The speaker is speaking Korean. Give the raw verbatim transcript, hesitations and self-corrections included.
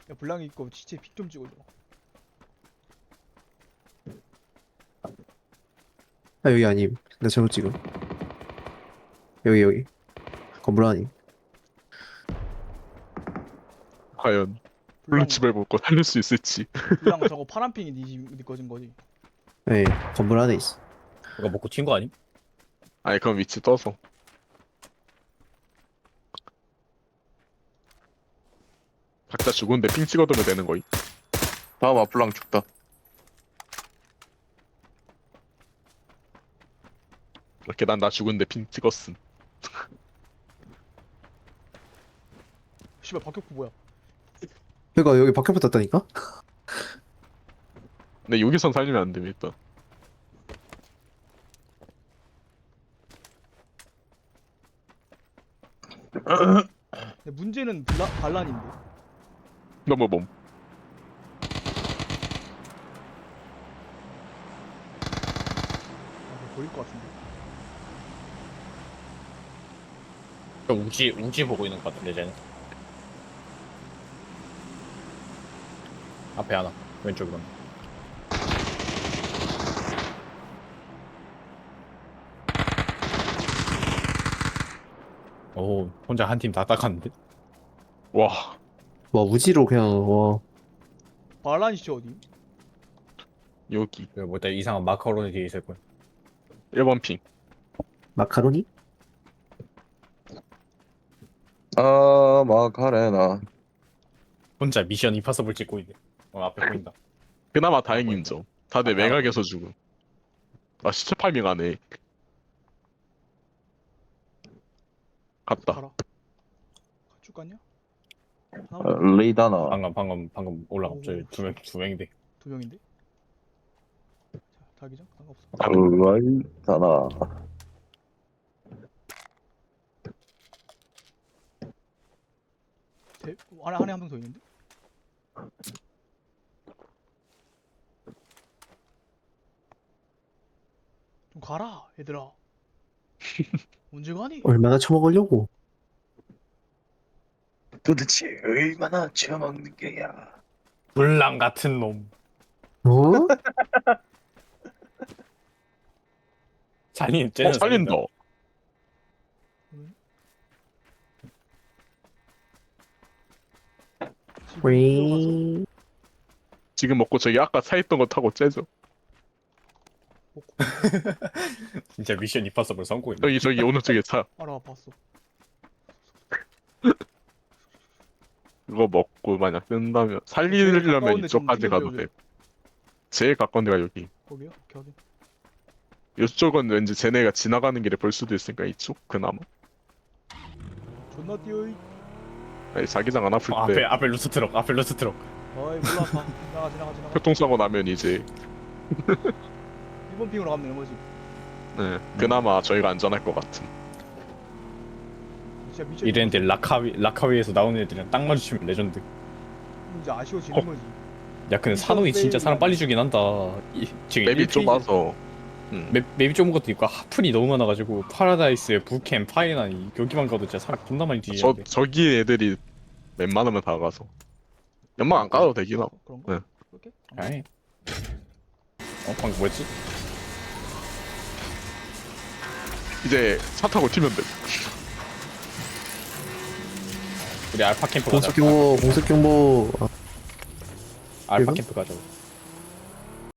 야 블랑이 이거 시체 픽 좀 찍어줘. 아 여기 아님. 나 잘못 찍음. 여기 여기. 건물 아님. 과연 블랑 블루칩을 먹고 살릴 수 있을지. 블랑 저거 파란핑이 니 집, 니 거진 거지. 네 건물 안에 있어. 이거 먹고 튄 거 아님? 아니 그럼 위치 떠서. 각자 죽은데 핑 찍어두면 되는 거임. 다음 아플랑 죽다. 이렇게 난 나 죽은데 핑 찍었음. 씨발 박격포 뭐야? 그니까 여기 밖에 붙었다니까? 근데 여기선 살리면 안 됩니다. 근데 문제는 블라, 반란인데. 너무 몸. 아, 이거 보일 것 같은데. 저 우지 우지 보고 있는 거 같은데 쟤는. 앞에 하나 왼쪽으로. 오 혼자 한 팀 다 닦았는데? 와 와 우지로 그냥 와. 반란 시체 어디? 여기 그 뭐다 이상한 마카로니 뒤에 있을 거야. 일 번 핑. 마카로니? 아 마카레나. 혼자 미션 임파서블 찍고 있네. 어 앞에 보인다. 그나마 다행인 점. 다들 아, 매각에서 죽음. 아 시체 파밍 하네. 갔다. 가라. 쭉 갔냐? 어, 하나 레이다나. 방금 방금 방금 올라가. 오, 저두 명 두 명인데. 두 명인데. 자, 자기장 상관없어. 레이다나. 대, 안에 안에 한 명 더 있는데. 좀 가라, 얘들아. 언제 가니? 얼마나 처먹으려고? 도대체 얼마나 처먹는 게야? 불랑 같은 놈. 어? 살린 어 쟤는 살린다. 지금 들어가서 윙. 지금 먹고 저기 아까 차있던 거 타고 째죠. 먹고 진짜 미션 임파서블 성공이네. 저기 저기 오른쪽에 차. 알아 봤어. 그거 먹고 만약 뜬다면 제일 살리려면 가까운 데 이쪽까지 좀 가도 튕겨줘요. 돼. 제일 가까운 데가 여기. 거기요? 오케이 확인. 이쪽은 왠지 쟤네가 지나가는 길에 볼 수도 있으니까 이쪽 그나마. 존나 뛰어이. 아니, 자기장 안 아플 어, 때 앞에 앞에 루트 트럭 앞에 루트 트럭. 어이 몰라 봐. 지나가 지나가 지나가. 교통사고 나면 이제 일 번 핑으로 가면 되는 거지. 네, 그나마 저희가 안전할 것 같은. 진짜 미쳐. 이랬는데 라카위 라카위에서 나오는 애들이랑 딱 마주치면 레전드. 이제 아쉬워지는 어. 거지. 야 근데 산호이 진짜 사람 빨리 죽긴 한다. 이, 지금 맵이 일 페이지 좁아서. 음. 맵, 맵이 좁은 것도 있고 하플이 너무 많아가지고 파라다이스, 부캠, 파이나니 여기만 가도 진짜 사람 존나 많이 저 뒤지는데. 저기 애들이 웬만하면 다 가서. 연막 안 까도 되긴 하고. 그런 거? 네. 그렇게? 아이. 어 방금 뭐였지? 이제 차 타고 튀면 돼. 우리 알파 캠프 가자. 공습 경보 공습 경보. 아, 알파 이거? 캠프 가자.